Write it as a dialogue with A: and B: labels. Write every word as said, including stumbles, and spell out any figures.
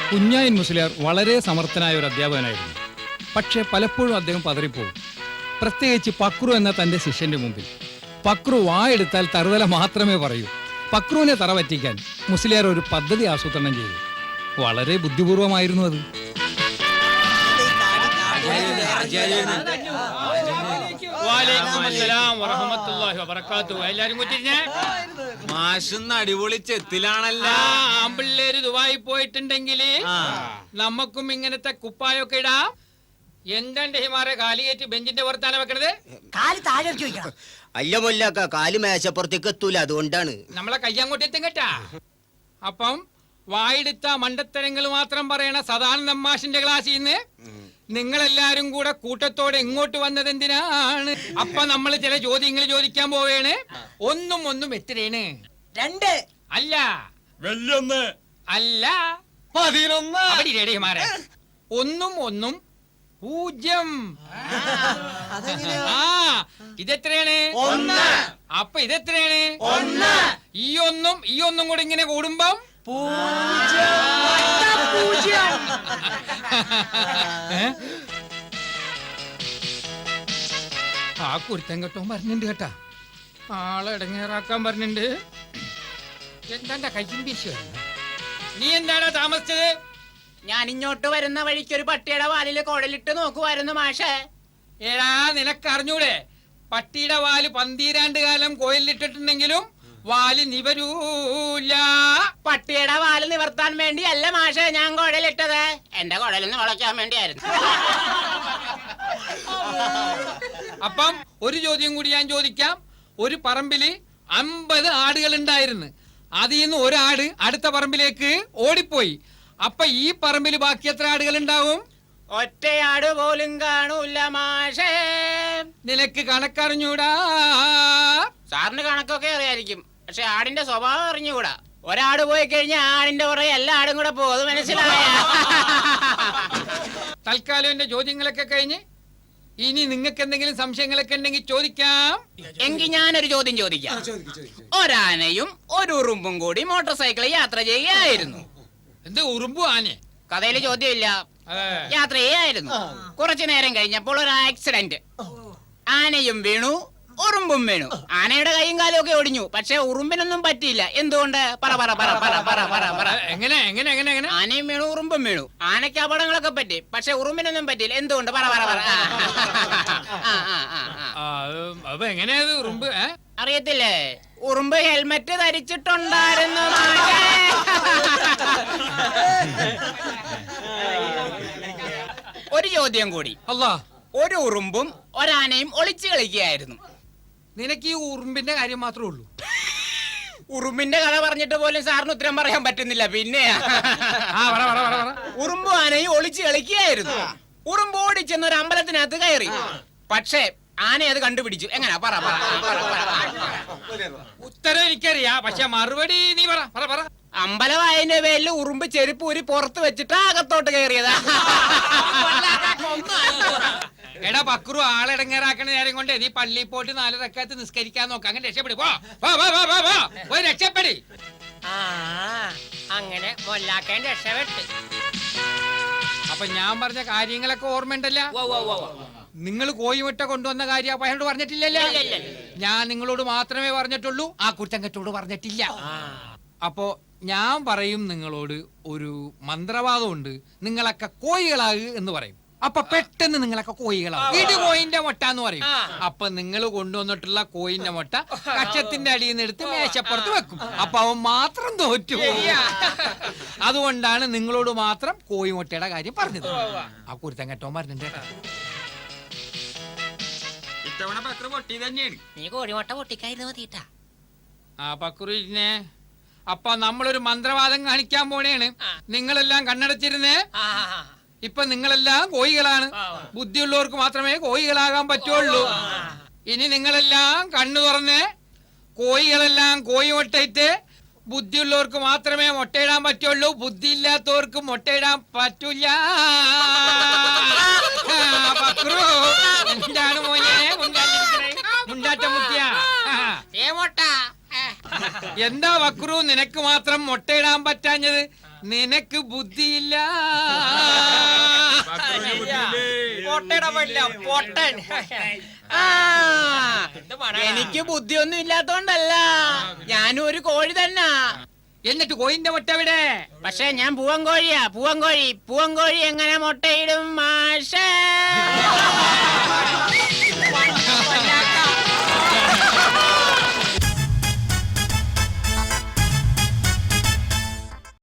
A: കുഞ്ഞായൻ മുസ്ലിയാർ വളരെ സമർത്ഥനായ ഒരു അധ്യാപകനായിരുന്നു. പക്ഷേ പലപ്പോഴും അദ്ദേഹം പതറിപ്പോകും. പ്രത്യേകിച്ച് പക്രു എന്ന തന്റെ ശിഷ്യന്റെ മുമ്പിൽ. പക്രു വായെടുത്താൽ തറുതല മാത്രമേ പറയൂ. പക്രുവിനെ തറ പറ്റിക്കാൻ മുസ്ലിയാർ ഒരു പദ്ധതി ആസൂത്രണം ചെയ്തു. വളരെ ബുദ്ധിപൂർവമായിരുന്നു അത്.
B: അടിപൊളി ചെത്തിലാണല്ല.
C: ആമ്പിള്ളേര് ദുബായി പോയിട്ടുണ്ടെങ്കില് നമ്മക്കും ഇങ്ങനത്തെ കുപ്പായൊക്കെ ഇടാം. എന്താണ്ട് ഹിമാറെ കാലിയേറ്റ് ബെഞ്ചിന്റെ പുറത്താണ് വെക്കണത്?
D: കാല് താഴെ
E: അല്ല മൊല്ലാക്ക, കാല് മേശപ്പുറത്തേക്ക് എത്തൂല, അതുകൊണ്ടാണ്.
C: നമ്മളെ കയ്യങ്ങോട്ട് എത്തും കേട്ടാ. അപ്പം വായെടുത്ത മണ്ടത്തരങ്ങൾ മാത്രം പറയണ സദാനന്ദ മാഷിന്റെ ക്ലാസ്സിൽ നിന്ന് നിങ്ങളെല്ലാരും കൂടെ കൂട്ടത്തോടെ ഇങ്ങോട്ട് വന്നത് എന്തിനാണ്? അപ്പൊ നമ്മൾ ചില ചോദ്യങ്ങൾ ചോദിക്കാൻ പോവേണ്. ഒന്നും ഒന്നും എത്രയാണ്?
D: രണ്ട്
C: അല്ല
B: വെല്ലൊന്ന്
C: അല്ല
B: പതിനൊന്ന്.
C: അവിടെ രേടിമാരെ ഒന്നും ഒന്നും പൂജ്യം. ആ ഇതെത്രയാണ്?
B: ഒന്ന്.
C: അപ്പൊ ഇതെത്രയാണ്?
B: ഒന്ന്.
C: ഈ ഒന്നും ഈ ഒന്നും കൂടെ ഇങ്ങനെ കൂടുമ്പം ആ കുരുത്തം കെട്ടോ പറഞ്ഞിട്ടുണ്ട് കേട്ടാ. ആളെ ഇടങ്ങേറാക്കാൻ പറഞ്ഞിട്ടുണ്ട്. എന്താ കയ്യും വീശി വരുന്നത്? നീ എന്താടാ താമസിച്ചത്?
F: ഞാൻ ഇങ്ങോട്ട് വരുന്ന വഴിക്ക് ഒരു പട്ടിയുടെ വാലില് കുഴലിട്ട് നോക്കുവായിരുന്നു മാഷേ.
C: ഏടാ നിനക്കറിഞ്ഞൂടെ? പട്ടിയുടെ വാല് പന്തീരാണ്ട് കാലം കോയിലിട്ടിട്ടുണ്ടെങ്കിലും വാല് നിവരൂല.
F: പട്ടിയുടെ വാല് നിവർത്താൻ വേണ്ടി അല്ല മാഷേ ഞാൻ കുഴലിട്ടത്, എന്റെ കുഴലിന്ന് വളയ്ക്കാൻ വേണ്ടിയായിരുന്നു.
C: അപ്പം ഒരു ചോദ്യം കൂടി ഞാൻ ചോദിക്കാം. ഒരു പറമ്പില് അമ്പത് ആടുകൾ ഉണ്ടായിരുന്നു. അതിൽ നിന്ന് ഒരാട് അടുത്ത പറമ്പിലേക്ക് ഓടിപ്പോയി. അപ്പൊ ഈ പറമ്പിൽ ബാക്കി എത്ര ആടുകൾ ഉണ്ടാവും?
F: ഒറ്റയാട് പോലും കാണൂല മാഷേ.
C: നിനക്ക് കണക്കറിഞ്ഞൂടാ?
F: സാറിന് കണക്കൊക്കെ അറിയായിരിക്കും, പക്ഷെ ആടിന്റെ സ്വഭാവം അറിഞ്ഞുകൂടാ. ഒരാട് പോയി കഴിഞ്ഞാൽ ആടിന്റെ പുറകെ എല്ലാ ആടും കൂടെ പോകും, മനസ്സിലായ?
C: തൽക്കാലം എന്റെ ചോദ്യങ്ങളൊക്കെ കഴിഞ്ഞ് ഇനി നിങ്ങൾക്ക് എന്തെങ്കിലും സംശയങ്ങളൊക്കെ ഉണ്ടെങ്കിൽ ചോദിക്കാം.
F: എങ്കിൽ ഞാനൊരു ചോദ്യം ചോദിക്കാം. ഒരാനയും ഒരു ഉറുമ്പും കൂടി മോട്ടോർ സൈക്കിളിൽ യാത്ര ചെയ്യുകയായിരുന്നു.
C: എന്ത് ഉറുമ്പു ആനെ?
F: കഥയില് ചോദ്യമില്ല, യാത്ര ചെയ്യായിരുന്നു. കുറച്ചു നേരം കഴിഞ്ഞപ്പോൾ ഒരു ആക്സിഡന്റ്. ആനയും വീണു, ഉറുമ്പും വീണു. ആനയുടെ കൈയും കാലും ഒക്കെ ഒടിഞ്ഞു, പക്ഷെ ഉറുമ്പിനൊന്നും പറ്റിയില്ല. എന്തുകൊണ്ട്? പറ പറ പറ പറ പറ പറ പറ.
C: എങ്ങനെ എങ്ങനെ എങ്ങനെ എങ്ങനെ?
F: ആനയും വീണു, ഉറുമ്പും വീണു. ആനയ്ക്ക് അപകടങ്ങളൊക്കെ പറ്റി, പക്ഷെ ഉറുമ്പിനൊന്നും പറ്റിയില്ല. എന്തുകൊണ്ട്? പറ പറ പറ.
C: അപ്പൊ എങ്ങനെയത് ഉറുമ്പ്?
F: അറിയത്തില്ലേ? ഉറുമ്പ് ഹെൽമെറ്റ് ധരിച്ചിട്ടുണ്ടായിരുന്നു. ഒരു ചോദ്യം കൂടി.
C: അല്ലാ,
F: ഒരു ഉറുമ്പും ഒരാനയും ഒളിച്ചു കളിക്കുകയായിരുന്നു.
C: നിനക്ക് ഈ ഉറുമ്പിന്റെ കാര്യം മാത്രമേ ഉള്ളൂ?
F: ഉറുമ്പിന്റെ കഥ പറഞ്ഞിട്ട് പോലും സാറിന് ഉത്തരം പറയാൻ പറ്റുന്നില്ല. പിന്നെ ഉറുമ്പും ആനയും ഒളിച്ചു കളിക്കുകയായിരുന്നു. ഉറുമ്പ് ഓടിച്ചെന്ന് ഒരു അമ്പലത്തിനകത്ത് കയറി, പക്ഷേ ആന അത് കണ്ടുപിടിച്ചു. എങ്ങനാ? പറ പറ.
C: ഉത്തരം എനിക്കറിയാ, പക്ഷെ മറുപടി നീ പറ പറ പറ.
F: അമ്പലവായന്റെ പേരിൽ ഉറുമ്പ് ചെരുപ്പ് ഊരി പുറത്ത് വെച്ചിട്ട് അകത്തോട്ട് കയറിയതാ.
C: എടാ പക്രു, ആളെടങ്ങേറാക്കണ നേരം കൊണ്ട് നീ പള്ളിയിൽ പോയിട്ട് നാല് റക്അത്ത് നിസ്കരിക്കാൻ നോക്കാം. അങ്ങനെ രക്ഷപ്പെടും. പോയി രക്ഷപ്പെടി.
F: അങ്ങനെ മൊല്ലാക്കാൻ രക്ഷപ്പെട്ട്.
C: അപ്പൊ ഞാൻ പറഞ്ഞ കാര്യങ്ങളൊക്കെ ഓർമ്മയുണ്ടല്ലോ? നിങ്ങൾ കോഴിമുട്ട കൊണ്ടുവന്ന കാര്യം അയാളോട് പറഞ്ഞിട്ടില്ലല്ലോ? ഞാൻ നിങ്ങളോട് മാത്രമേ പറഞ്ഞിട്ടുള്ളൂ, ആ കുറ്റങ്കറ്റോട് പറഞ്ഞിട്ടില്ല. അപ്പോ ഞാൻ പറയും നിങ്ങളോട് ഒരു മന്ത്രവാദമുണ്ട്, നിങ്ങളൊക്കെ കോഴികളാകു എന്ന് പറയും. അപ്പൊ പെട്ടെന്ന് നിങ്ങളൊക്കെ കോഴികളാവും. ഇത് കോയിന്റെ മുട്ട എന്ന് പറയും. അപ്പൊ നിങ്ങൾ കൊണ്ടുവന്നിട്ടുള്ള കോയിന്റെ മുട്ട കച്ചത്തിന്റെ അടിയിൽ നിന്ന് എടുത്ത് മേശപ്പുറത്ത് വെക്കും. അപ്പൊ അവൻ മാത്രം തോറ്റു. അതുകൊണ്ടാണ് നിങ്ങളോട് മാത്രം കോഴിമുട്ടയുടെ കാര്യം പറഞ്ഞത്. ആ കുരുത്തം കെട്ടോ പറഞ്ഞിട്ട് ഇത്തവണ പക്രു പൊട്ടി തന്നെയാണ്.
F: നീ കോഴിമുട്ട പൊട്ടിക്കായിരുന്നു മതിട്ടാ.
C: ആ പക്രുവിനെ അപ്പൊ നമ്മളൊരു മന്ത്രവാദം കാണിക്കാൻ പോണേണ്. നിങ്ങളെല്ലാം കണ്ണടച്ചിരുന്നേ. ഇപ്പൊ നിങ്ങളെല്ലാം കോഴികളാണ്. ബുദ്ധിയുള്ളവർക്ക് മാത്രമേ കോഴികളാകാൻ പറ്റുള്ളൂ. ഇനി നിങ്ങളെല്ലാം കണ്ണു തുറന്ന് കോഴികളെല്ലാം കോഴി മുട്ടയിട്ട് ബുദ്ധിയുള്ളവർക്ക് മാത്രമേ മുട്ടയിടാൻ പറ്റുള്ളൂ. ബുദ്ധിയില്ലാത്തവർക്ക് മുട്ടയിടാൻ പറ്റൂല. പക്രു എന്താണ് മോനെ മുണ്ടാറ്റ മുത്തിയ? എന്താ പക്രു നിനക്ക് മാത്രം മുട്ടയിടാൻ പറ്റാഞ്ഞത്? നിനക്ക് ബുദ്ധിയില്ല.
F: ആ, എനിക്ക് ബുദ്ധിയൊന്നും ഇല്ലാത്തോണ്ടല്ല, ഞാനും ഒരു കോഴി തന്നെ.
C: എന്നിട്ട് കോയിന്റെ മുട്ട എവിടെ?
F: പക്ഷെ ഞാൻ പൂവൻ കോഴിയാ, പൂവൻ കോഴി. പൂവൻ കോഴി എങ്ങനെ മുട്ടയിടും മാഷേ?